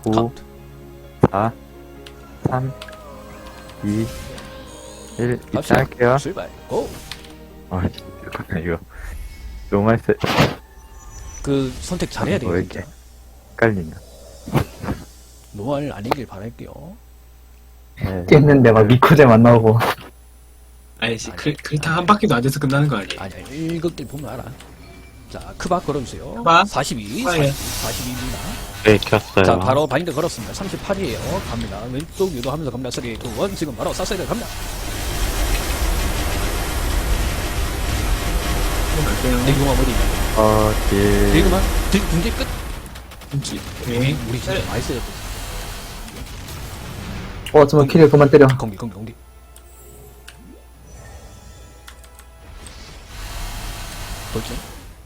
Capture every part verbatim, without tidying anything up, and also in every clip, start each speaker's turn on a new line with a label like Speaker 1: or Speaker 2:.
Speaker 1: 오,
Speaker 2: 카운트.
Speaker 1: 사, 삼, 이, 일. 이때
Speaker 2: 갑시다.
Speaker 1: 할게요.
Speaker 2: 출발. 고!
Speaker 1: 아, 잠깐만, 이거. 너무 많이 세,
Speaker 2: 그 선택 잘해야 돼요
Speaker 1: 왜
Speaker 2: 진짜.
Speaker 1: 이렇게 헷갈리냐.
Speaker 2: 노말 아니길 바랄게요.
Speaker 1: 네.
Speaker 3: 뛰었는데 막 미쿠제 만 나오고.
Speaker 4: 아니지,
Speaker 2: 아니,
Speaker 4: 글, 글타 한 바퀴도 안 돼서 끝나는 거 아니에요?
Speaker 2: 아니야 일극들 보면 알아. 자 크바 걸어주세요.
Speaker 4: 크바?
Speaker 2: 사십이.
Speaker 4: 아, 예.
Speaker 2: 사십이입니다.
Speaker 5: 네, 켰어요.
Speaker 2: 자 바로 바인드 걸었습니다. 삼십팔이에요. 갑니다. 왼쪽 유도하면서 갑니다. 삼, 이, 일 지금 바로 쐈어야 갑니다.
Speaker 4: 갈게요.
Speaker 2: 대구만 어디 있냐?
Speaker 1: 어, 딜.
Speaker 2: 대구만 등 등대 끝.
Speaker 4: 김치. 네.
Speaker 2: 우리 진짜 많이 써야 돼.
Speaker 3: 어, 정말 키를 그만 때려.
Speaker 2: 공기 공기 공기. 돌진.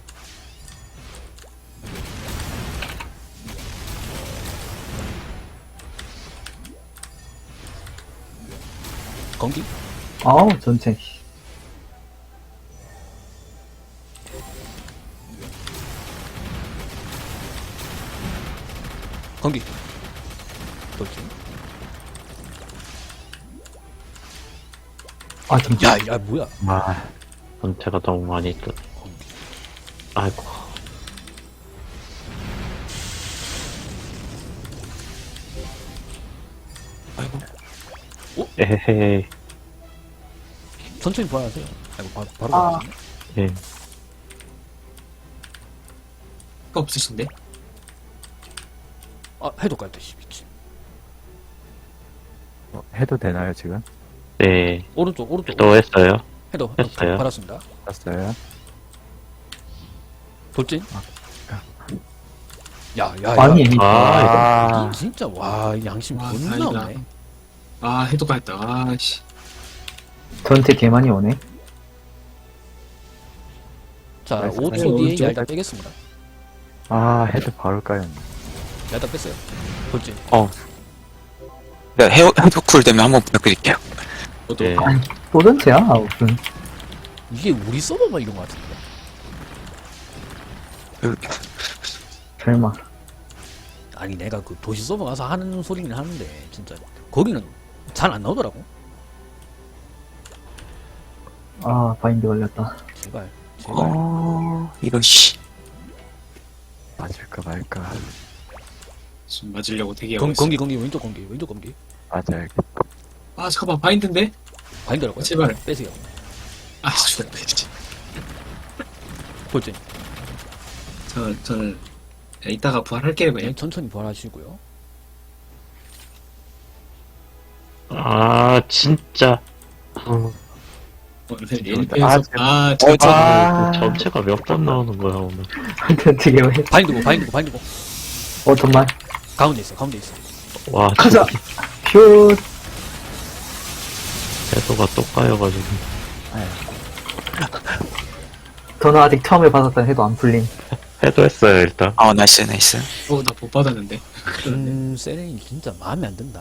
Speaker 2: 공기.
Speaker 3: 아우, 전체.
Speaker 2: 공기. 돌진.
Speaker 3: 아, 전체.
Speaker 2: 야, 야, 뭐야?
Speaker 1: 아,
Speaker 5: 전체가 너무 많이 뜨.
Speaker 2: 공기.
Speaker 5: 아이고.
Speaker 4: 아이고.
Speaker 5: 에헤이.
Speaker 2: 천천히 부활하세요. 아이고, 바로, 바로
Speaker 3: 아.
Speaker 2: 가시네.
Speaker 5: 예.
Speaker 4: 거 없으신데?
Speaker 2: 아, 해도 깔다, 씨, 미친.
Speaker 1: 어, 해도 되나요, 지금?
Speaker 5: 네.
Speaker 2: 오른쪽, 오른쪽.
Speaker 5: 또 했어요.
Speaker 2: 해도,
Speaker 5: 했어요.
Speaker 2: 받았습니다.
Speaker 1: 땄어요.
Speaker 2: 돌진.
Speaker 1: 아.
Speaker 2: 야, 야, 야.
Speaker 3: 아니,
Speaker 5: 아,
Speaker 2: 이 진짜, 와, 이 양심
Speaker 4: 와,
Speaker 2: 존나
Speaker 4: 다행이다.
Speaker 2: 없네.
Speaker 4: 아, 해도가 했다. 아, 씨.
Speaker 3: 전체 개 많이 오네.
Speaker 2: 자,
Speaker 1: 나이스.
Speaker 2: 오 초
Speaker 4: 네,
Speaker 2: 뒤에
Speaker 4: 오른쪽.
Speaker 2: 얄다 빼겠습니다.
Speaker 1: 아, 해도 바로 까였네.
Speaker 2: 얄다 뺐어요. 돌진.
Speaker 6: 네, 헤어, 헤어 쿨되면 한번 부탁드릴게요.
Speaker 4: 저도.
Speaker 5: 예.
Speaker 3: 또 전체야? 아, 무슨.
Speaker 2: 이게 우리 서버만 이런 것 같은데.
Speaker 3: 설마.
Speaker 2: 아니, 내가 그 도시 서버 가서 하는 소리는 하는데, 진짜. 거기는 잘 안 나오더라고.
Speaker 3: 아, 바인드 걸렸다.
Speaker 2: 제발. 제발.
Speaker 6: 어, 이런, 씨.
Speaker 1: 맞을까 말까.
Speaker 4: 지금 맞으려고 대기하고
Speaker 2: 공,
Speaker 4: 있어.
Speaker 2: 공기, 공기, 왼쪽 공기, 왼쪽 공기.
Speaker 1: 맞아야겠다.
Speaker 4: 아, 잠깐만, 바인드인데?
Speaker 2: 바인더라고요.
Speaker 4: 제발.
Speaker 2: 빼세요.
Speaker 4: 아, 죽었다, 진짜.
Speaker 2: 돌진.
Speaker 4: 저, 저는, 야, 이따가 부활할게요,
Speaker 2: 네,
Speaker 4: 그냥.
Speaker 2: 천천히 부활하시고요.
Speaker 5: 아, 진짜. 어,
Speaker 4: 오늘
Speaker 1: 아,
Speaker 4: 일편에서, 아, 저,
Speaker 6: 어, 저,
Speaker 1: 아,
Speaker 5: 전체가 몇 번 나오는 거야, 오늘.
Speaker 3: 전체 개 많이.
Speaker 2: 바인드고, 바인드고, 바인드고.
Speaker 3: 어, 정말.
Speaker 2: 가운데 있어, 가운데 있어.
Speaker 5: 와,
Speaker 3: 가자! 퓨!
Speaker 5: 해도가 또 까여가지고.
Speaker 3: 저는 아직 처음에 받았던 해도 안 풀림.
Speaker 5: 해도 했어요, 일단.
Speaker 6: 어, 나이스, 나이스.
Speaker 4: 어, 나 못 받았는데.
Speaker 2: 음, 세렌이 진짜 마음에 안 든다.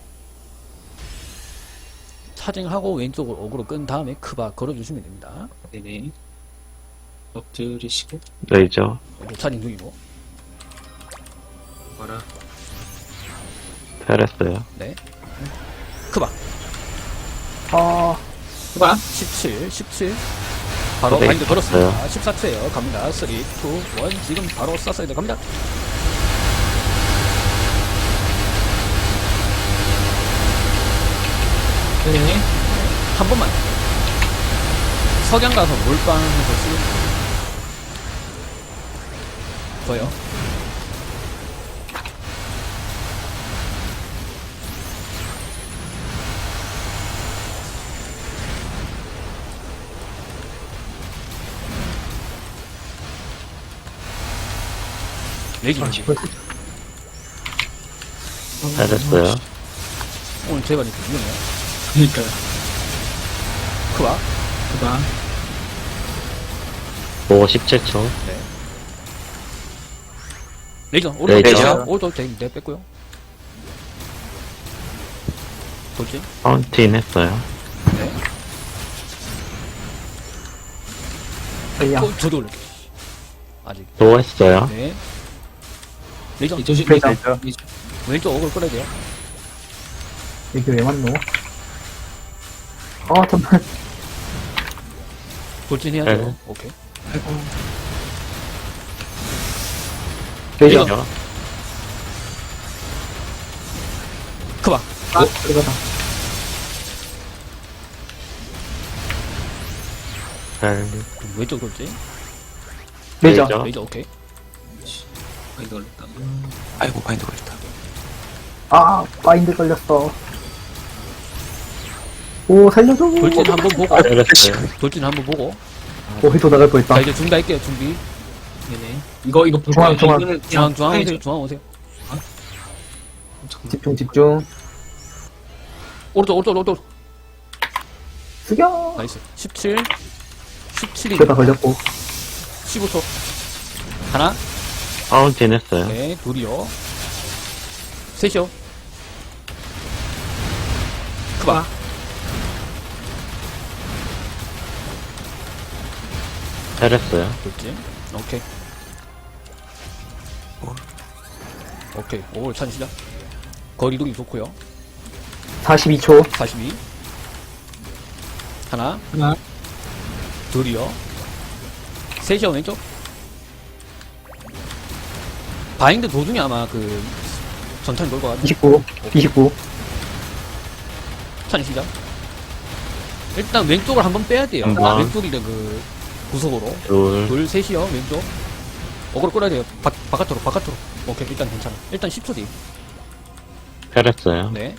Speaker 2: 차징하고 왼쪽으로 어그로 끈 다음에 크바 걸어주시면 됩니다.
Speaker 4: 네네. 엎드리시고,
Speaker 5: 레이저.
Speaker 2: 왼쪽 차징 중이고.
Speaker 4: 와라.
Speaker 5: 잘했어요.
Speaker 2: 네. 크바.
Speaker 3: 아,
Speaker 4: 해봐.
Speaker 2: 십칠, 십칠. 바로
Speaker 5: 네,
Speaker 2: 바인드 걸었습니다.
Speaker 5: 봤어요.
Speaker 2: 십사 초에요. 갑니다. 삼, 이, 일. 지금 바로 쐈어야 돼. 갑니다.
Speaker 4: 네네.
Speaker 2: 한 번만. 석양 가서 몰빵해서 쓰는 저요. 레이지
Speaker 3: 아,
Speaker 2: 레이지.
Speaker 5: 잘했어요.
Speaker 2: 오늘 제발 이렇게 위험해요.
Speaker 4: 그니까요.
Speaker 2: 크바.
Speaker 4: 해봐.
Speaker 5: 오, 십칠 초.
Speaker 2: 네. 레이저. 오른쪽
Speaker 5: 레이저.
Speaker 2: 레이저. 오른쪽 대, 네, 뺐고요. 돌진.
Speaker 5: 파운틴 했어요.
Speaker 2: 네.
Speaker 3: 야.
Speaker 2: 어, 저도 올릴게요. 아직.
Speaker 5: 또 했어요.
Speaker 2: 네. 레이저.
Speaker 4: 이 조심,
Speaker 3: 그러니까.
Speaker 4: 레이저. 레이저.
Speaker 2: 왼쪽 어글 끌어야 돼요.
Speaker 3: 이게 왜 맞노? 아, 잠깐.
Speaker 2: 돌진해야죠.
Speaker 5: 네.
Speaker 2: 오케이.
Speaker 3: 레이저.
Speaker 5: 레이저.
Speaker 2: 크바.
Speaker 3: 어, 들어가다.
Speaker 5: 헬.
Speaker 2: 왼쪽 돌진.
Speaker 3: 레이저.
Speaker 5: 레이저.
Speaker 2: 레이저 오케이.
Speaker 4: 아, 이거 걸렸다.
Speaker 6: 아이고, 바인드 걸렸다.
Speaker 3: 아, 바인드 걸렸어. 오, 살려줘.
Speaker 2: 돌진 한번 보고.
Speaker 5: 때렸어요.
Speaker 2: 돌진 한번 보고.
Speaker 3: 오, 휘도 나갈 뻔했다.
Speaker 2: 자 이제 준비할게요. 준비.
Speaker 4: 네네. 이거, 이거 볼
Speaker 3: 중앙,
Speaker 4: 거예요.
Speaker 3: 중앙.
Speaker 4: 이거는 그냥
Speaker 2: 중앙 중앙
Speaker 4: 파이죠.
Speaker 2: 오세요. 중앙 오세요.
Speaker 4: 잠깐만.
Speaker 3: 집중, 집중.
Speaker 2: 오른쪽 오른쪽 오른쪽.
Speaker 3: 숙여.
Speaker 2: 나이스. 십칠. 십칠이.
Speaker 3: 그다 걸렸고.
Speaker 2: 십오 초. 하나.
Speaker 5: 파운틴 했어요.
Speaker 2: 네. 둘이요. 셋이요. 크바.
Speaker 5: 때렸어요.
Speaker 2: 돌진. 오케이. 오케이. 오월 찬 시작. 거리도 좋고요.
Speaker 3: 사십이 초.
Speaker 2: 사십이. 하나.
Speaker 4: 하나,
Speaker 2: 둘이요. 셋이요 왼쪽. 바인드 도중에 아마 그 전탄이 돌 것 같아.
Speaker 3: 이십구. 이십구.
Speaker 2: 찬 시작. 일단 왼쪽을 한번 빼야 돼요.
Speaker 5: 한 번.
Speaker 2: 왼쪽이래 그 구석으로.
Speaker 5: 둘.
Speaker 2: 둘 셋이요 왼쪽. 어그로 끌어야 돼요. 바, 바깥으로 바깥으로. 오케이 일단 괜찮아. 일단 십 초 뒤.
Speaker 5: 때렸어요.
Speaker 2: 네.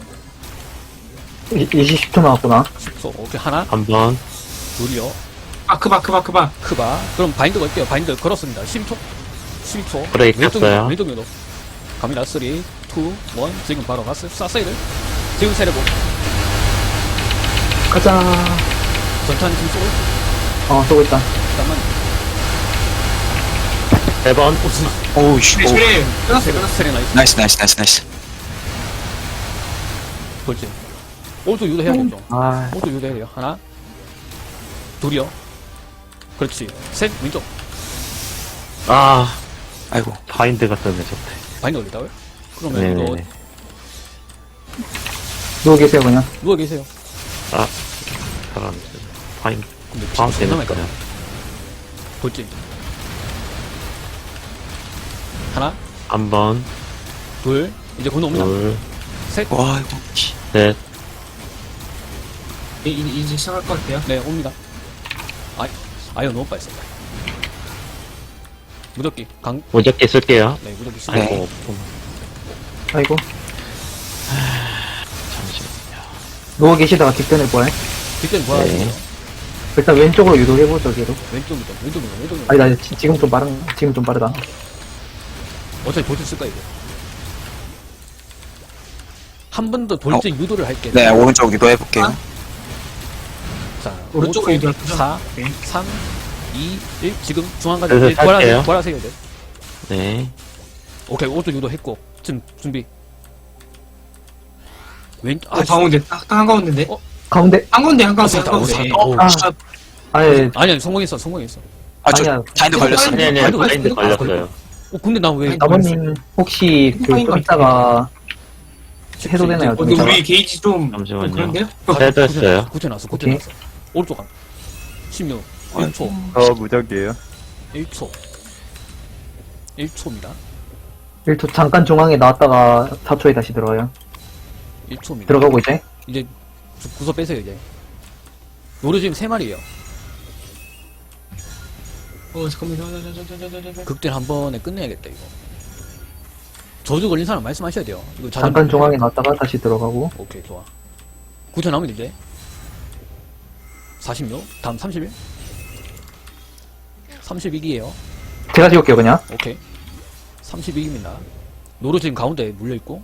Speaker 3: 이- 이십 초 나왔구나.
Speaker 2: 십 초. 오케이 하나.
Speaker 5: 한 번.
Speaker 2: 둘이요.
Speaker 4: 아, 크바, 크바, 크바.
Speaker 2: 크바. 그럼 바인드 걸게요. 바인드 걸었습니다. 십 초. 십이 초.
Speaker 5: 브레이크
Speaker 2: 왼쪽
Speaker 5: 했어요.
Speaker 2: 왼쪽 면도. 갑니다. 삼, 이, 일. 지금 바로 갔어요. 쐈어요. 지금 세레고.
Speaker 3: 가자.
Speaker 2: 전탄 지금 쏘고 있어.
Speaker 3: 어, 쏘고 있다.
Speaker 2: 잠깐만.
Speaker 5: 세 번.
Speaker 2: 오, 진짜.
Speaker 6: 오우, 씨.
Speaker 4: 그래,
Speaker 6: 오.
Speaker 4: 그래. 끝났어,
Speaker 2: 세레,
Speaker 4: 끝났어.
Speaker 2: 세레 나이스.
Speaker 6: 나이스, 나이스, 나이스, 나이스.
Speaker 2: 돌진. 오른쪽 유도해야겠죠.
Speaker 3: 아,
Speaker 2: 오른쪽 유도해야 돼요. 하나. 둘이요. 그렇지. 셋. 왼쪽.
Speaker 5: 아,
Speaker 6: 아이고.
Speaker 5: 바인드가 뜨네, 좋대.
Speaker 2: 바인드 걸리다고요? 그러면 이거
Speaker 5: 네네네.
Speaker 3: 누워 계세요, 그냥.
Speaker 2: 누워 계세요.
Speaker 5: 아, 사람, 바인드.
Speaker 2: 근데 피가
Speaker 5: 파운틴
Speaker 2: 존나 많이
Speaker 5: 했어요.
Speaker 2: 까요. 돌진. 하나.
Speaker 5: 한 번,
Speaker 2: 둘. 이제 곧 옵니다.
Speaker 5: 둘,
Speaker 2: 셋.
Speaker 6: 와, 아이고. 씨.
Speaker 5: 셋.
Speaker 4: 이- 이- 이제 시작할 것 같아요.
Speaker 2: 네, 옵니다. 아, 아유, 너무 빨리 썼다. 무적기, 강,
Speaker 5: 무적기 쓸게요.
Speaker 2: 네, 무적기 쓰
Speaker 6: 네.
Speaker 5: 아이고,
Speaker 3: 아이고.
Speaker 5: 잠시만요.
Speaker 3: 누워 계시다가 뒷편을 보해.
Speaker 2: 뒷대는 뭐야?
Speaker 5: 네.
Speaker 3: 일단 왼쪽으로 유도해보죠, 걔로.
Speaker 2: 왼쪽이죠, 왼쪽이죠, 왼쪽이죠.
Speaker 3: 아니, 나 지- 지금 좀 빠른, 지금 좀 빠르다.
Speaker 2: 어차피 돌진 쓸 거야, 이거. 한 번 더 돌진 유도를 할게.
Speaker 6: 네, 오른쪽 유도해볼게요.
Speaker 4: 아.
Speaker 2: 자,
Speaker 4: 오른쪽으로 유도할 거죠?
Speaker 2: 사,
Speaker 4: 네.
Speaker 2: 삼, 이, 일. 지금 중앙까지
Speaker 5: 그래서
Speaker 2: 이제 부활하세요.
Speaker 5: 탈게요.
Speaker 2: 부활하세요, 이제.
Speaker 5: 네.
Speaker 2: 오케이, 오른쪽 유도 했고. 지금 준비. 왼,
Speaker 4: 어, 가운데, 딱, 딱 한가운데인데?
Speaker 2: 어?
Speaker 3: 가운데.
Speaker 4: 한가운데, 한가운데,
Speaker 2: 아,
Speaker 4: 한가운데.
Speaker 2: 아,
Speaker 6: 어,
Speaker 3: 아.
Speaker 6: 진짜.
Speaker 3: 아니,
Speaker 2: 아니, 아니, 성공했어, 성공했어.
Speaker 6: 아, 저
Speaker 3: 아니야.
Speaker 6: 바인드 걸렸어.
Speaker 5: 아니, 아니,
Speaker 2: 바인드
Speaker 5: 바인드
Speaker 2: 걸렸어.
Speaker 5: 걸렸어요.
Speaker 2: 어, 근데 나 왜,
Speaker 4: 아니,
Speaker 3: 나머님, 혹시, 그,
Speaker 4: 파인
Speaker 3: 좀 이따가, 해소되나요?
Speaker 4: 어,
Speaker 3: 좀
Speaker 4: 근데
Speaker 3: 이따가?
Speaker 4: 우리 게이지 좀,
Speaker 5: 잠시만요.
Speaker 4: 좀 그런데요?
Speaker 5: 세도 했어요.
Speaker 2: 구체 나왔어, 구체
Speaker 3: 오케이.
Speaker 2: 나왔어. 오른쪽 가. 십육,
Speaker 6: 어,
Speaker 2: 일 초,
Speaker 1: 저 무적이에요.
Speaker 2: 일 초. 일 초입니다.
Speaker 3: 일 초 잠깐 중앙에 나왔다가 사 초에 다시 들어와요.
Speaker 2: 일 초입니다.
Speaker 3: 들어가고 이제.
Speaker 2: 이제 구- 구석 빼세요, 이제. 노루 지금 세 마리에요.
Speaker 4: 어, 잠깐만요. 저, 저, 저, 저, 저, 저, 저, 저.
Speaker 2: 극딜 한 번에 끝내야겠다, 이거. 저주 걸린 사람 말씀하셔야 돼요. 이거 자전-
Speaker 3: 잠깐 중앙에 나왔다가 다시 들어가고.
Speaker 2: 오케이, 좋아. 구체 나오면 이제. 사십육, 다음 삼십일. 삼십이기에요.
Speaker 3: 제가 지울게요, 그냥.
Speaker 2: 오케이. 삼십이기입니다. 노루 지금 가운데 물려있고.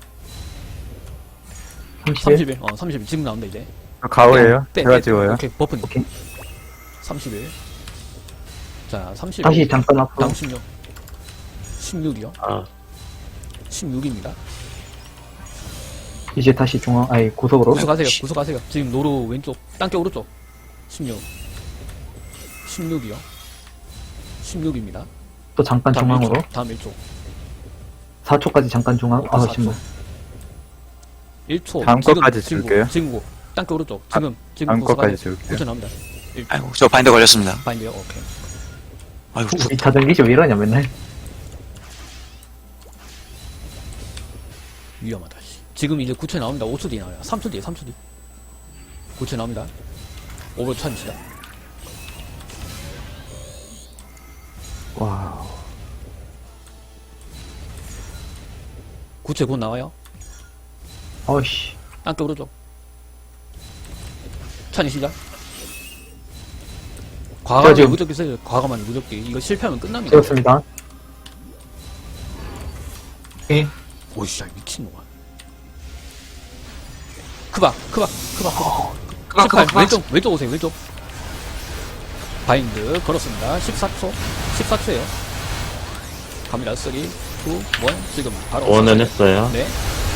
Speaker 3: 삼십일.
Speaker 2: 삼십일, 어, 삼십일. 지금 나온다, 이제.
Speaker 1: 저 가오예요.
Speaker 2: 빼,
Speaker 1: 제가
Speaker 2: 빼.
Speaker 1: 지워요.
Speaker 2: 오케이, 버프님.
Speaker 3: 오케이.
Speaker 2: 삼십일. 자, 삼십일.
Speaker 3: 다시 잠깐 앞으로.
Speaker 2: 다음 십육. 십육이요.
Speaker 5: 아,
Speaker 2: 십육입니다.
Speaker 3: 이제 다시 중앙, 아니, 구석으로.
Speaker 2: 구석하세요. 구석하세요. 지금 노루 왼쪽, 땅게 오른쪽. 십육. 십육이요. 십육입니다.
Speaker 3: 또 잠깐
Speaker 2: 다음
Speaker 3: 중앙으로.
Speaker 2: 일 초. 다음 일 초.
Speaker 3: 사 초까지 잠깐 중앙. 아,
Speaker 2: 사 초.
Speaker 3: 신발.
Speaker 2: 일 초.
Speaker 1: 다음
Speaker 2: 지금,
Speaker 1: 것까지
Speaker 2: 지금
Speaker 1: 줄게요.
Speaker 2: 지금 고. 땅끝 오른쪽. 지금 지금
Speaker 1: 다음
Speaker 2: 고수
Speaker 1: 것까지
Speaker 2: 가야
Speaker 1: 줄게요.
Speaker 2: 고쳐 나옵니다. 일
Speaker 6: 아이고, 저 바인더 걸렸습니다.
Speaker 2: 바인드요. 오케이.
Speaker 6: 아이고,
Speaker 3: 이 자전기시 왜 이러냐, 맨날.
Speaker 2: 위험하다. 씨. 지금 이제 구 초 나옵니다. 오 초 뒤에 나와요. 삼 초 뒤에 삼 초 뒤. 구 초 나옵니다. 오버 차입시다.
Speaker 1: 와우.
Speaker 2: 구 초에 곧 나와요.
Speaker 3: 어이씨.
Speaker 2: 땅끝 오른쪽. 찬이 시작. 과감하게
Speaker 3: 지금-
Speaker 2: 무적기 써요. 과감하게 무적기. 이거 실패하면 끝납니다.
Speaker 3: 찍었습니다.
Speaker 4: 오케이.
Speaker 2: 오이씨, 야, 미친놈아. 크바, 크바, 크바, 크바.
Speaker 4: 그만,
Speaker 2: 십팔,
Speaker 4: 그만, 그만.
Speaker 2: 왼쪽, 왼쪽 오세요, 왼쪽. 바인드 걸었습니다. 십사 초, 십사 초에요. 갑니다. 삼, 이, 일, 지금 바로.
Speaker 5: 원은
Speaker 2: 오세요.
Speaker 5: 했어요.
Speaker 2: 네,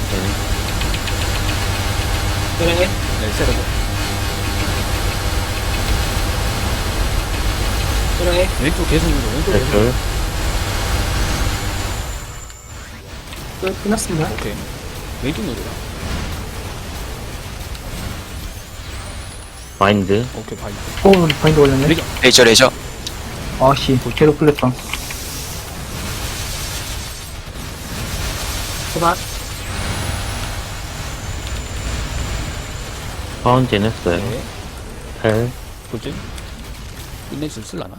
Speaker 4: 그래.
Speaker 2: 네, 세르고.
Speaker 4: 그래.
Speaker 2: 왼쪽 계속 누르, 왼쪽 계속 누르.
Speaker 5: 줄.
Speaker 4: 끝, 끝났습니다.
Speaker 2: 오케이. 왼쪽 누르라.
Speaker 5: 마인드.
Speaker 2: 오케이, 바인드.
Speaker 3: 오, 바인드 걸렸네.
Speaker 2: 레저.
Speaker 6: 레이저, 레이저.
Speaker 3: 아씨, 계속 풀렸어.
Speaker 4: 그만.
Speaker 5: 파운틴 했어요.
Speaker 2: 네,
Speaker 5: 헬.
Speaker 2: 돌진. 끝낼 수 있을라나?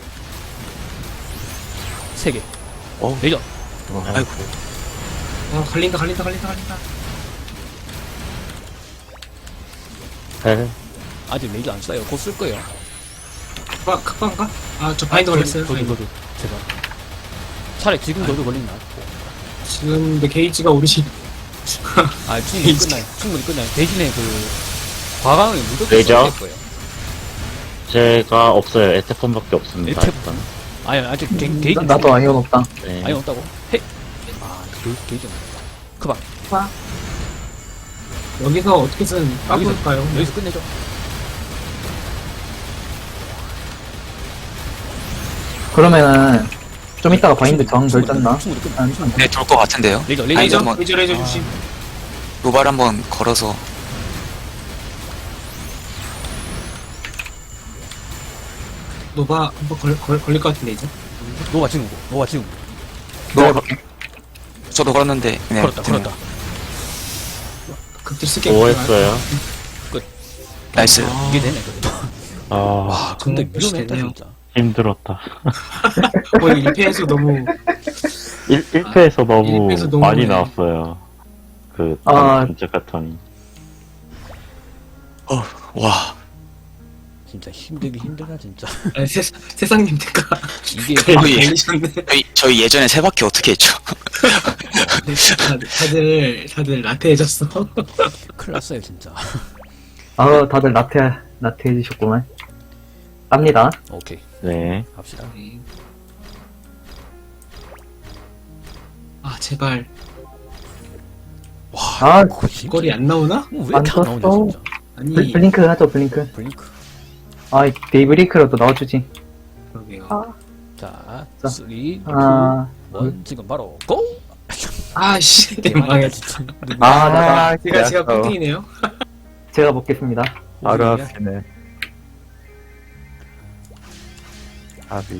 Speaker 2: 세 개.
Speaker 6: 어.
Speaker 2: 레저.
Speaker 6: 아이고,
Speaker 4: 어, 갈린다, 갈린다, 갈린다, 갈린다.
Speaker 5: 헬.
Speaker 2: 아직 레저 안 써요. 곧 쓸 거예요.
Speaker 4: 그만, 그만가? 아, 저 바인더 걸렸어요.
Speaker 2: 저도,
Speaker 4: 바인더.
Speaker 2: 저도, 제발. 차라리 지금 저도 걸리면 나을
Speaker 4: 지금 근데 게이지가 오르시.
Speaker 2: 아, 충분히 끝나요. 충분히 끝나요. 대신에 그, 과감하게 무조건
Speaker 5: 레저?
Speaker 2: 써야 될 거예요.
Speaker 5: 제가 없어요. 에테폰밖에 없습니다.
Speaker 2: 에테폰?
Speaker 5: 일단.
Speaker 2: 아니, 아직 게, 게이지.
Speaker 3: 나, 나도 아니온 없다.
Speaker 5: 네.
Speaker 2: 아니, 없다고? 헤! 아, 게이지, 게이지 없다. 크바.
Speaker 4: 여기서 어떻게든 까볼까요?
Speaker 2: 여기서 끝내죠.
Speaker 3: 그러면은, 좀 이따가 바인드 정 덜 짰나?
Speaker 2: 충분히 끝나.
Speaker 3: 안, 안.
Speaker 6: 네, 돌 것 같은데요.
Speaker 2: 레저,
Speaker 6: 아니,
Speaker 2: 레저.
Speaker 6: 저-
Speaker 4: 레이저, 레이저, 레이저 주심.
Speaker 6: 노발 한번 걸어서.
Speaker 4: 노바 한번 걸, 걸, 걸릴 것 같은데, 이제.
Speaker 2: 노바 지금, 노바 지금.
Speaker 3: 넣어볼게.
Speaker 6: 저도 걸었는데. 네,
Speaker 2: 걸었다,
Speaker 6: 되네요.
Speaker 2: 걸었다.
Speaker 4: 극딜 쓸게.
Speaker 5: 오 했어요.
Speaker 6: 나이스.
Speaker 4: 아,
Speaker 2: 이게 되네, 그래도.
Speaker 5: 아,
Speaker 2: 와, 근데
Speaker 4: 정말
Speaker 2: 위험했다,
Speaker 4: 멋있네요.
Speaker 2: 진짜.
Speaker 5: 힘들었다.
Speaker 4: 거의 일 패에서 너무.
Speaker 5: 일, 1패에서 너무
Speaker 4: 일 패에서 너무
Speaker 5: 많이
Speaker 4: 네.
Speaker 5: 나왔어요. 그,
Speaker 3: 아.
Speaker 5: 진짜 패턴이.
Speaker 6: 어, 와.
Speaker 2: 진짜 힘들기 힘들다, 진짜.
Speaker 4: 아, 세, 세상님 대가
Speaker 2: 이게,
Speaker 6: 거의-
Speaker 4: 걸리셨네.
Speaker 6: 저희, 저희 예전에 세 바퀴 어떻게 했죠?
Speaker 4: 다들, 다들, 다들 나태해졌어.
Speaker 2: 큰일 났어요, 진짜.
Speaker 3: 아, 다들 나태, 나태해지셨구만. 깝니다.
Speaker 2: 오케이,
Speaker 5: 네.
Speaker 2: 갑시다.
Speaker 4: 아, 제발.
Speaker 3: 아,
Speaker 2: 그거 진짜-
Speaker 4: 거리 안 나오나?
Speaker 2: 어, 왜 이렇게 안
Speaker 3: 안
Speaker 2: 나오냐,
Speaker 3: 떴어.
Speaker 2: 진짜.
Speaker 4: 아니,
Speaker 3: 블, 블링크 하죠, 블링크.
Speaker 2: 블링크.
Speaker 3: 아, 데이브레이크라도 넣어주지.
Speaker 4: 그러게요.
Speaker 3: 아,
Speaker 2: 자,
Speaker 3: 자.
Speaker 2: 삼, 이,
Speaker 3: 아,
Speaker 2: 일, 지금 바로, 고!
Speaker 4: 아씨,
Speaker 2: 대박이다,
Speaker 4: 망했어.
Speaker 2: 진짜.
Speaker 3: 아, 나,
Speaker 4: 제가, 제가
Speaker 1: 어,
Speaker 4: 꼴등이네요.
Speaker 3: 제가 먹겠습니다.
Speaker 1: 바로
Speaker 2: 오늘이야?
Speaker 1: 앞이네. 아비.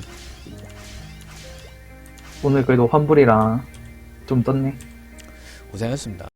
Speaker 3: 오늘 그래도 환불이랑 좀 떴네.
Speaker 2: 고생했습니다.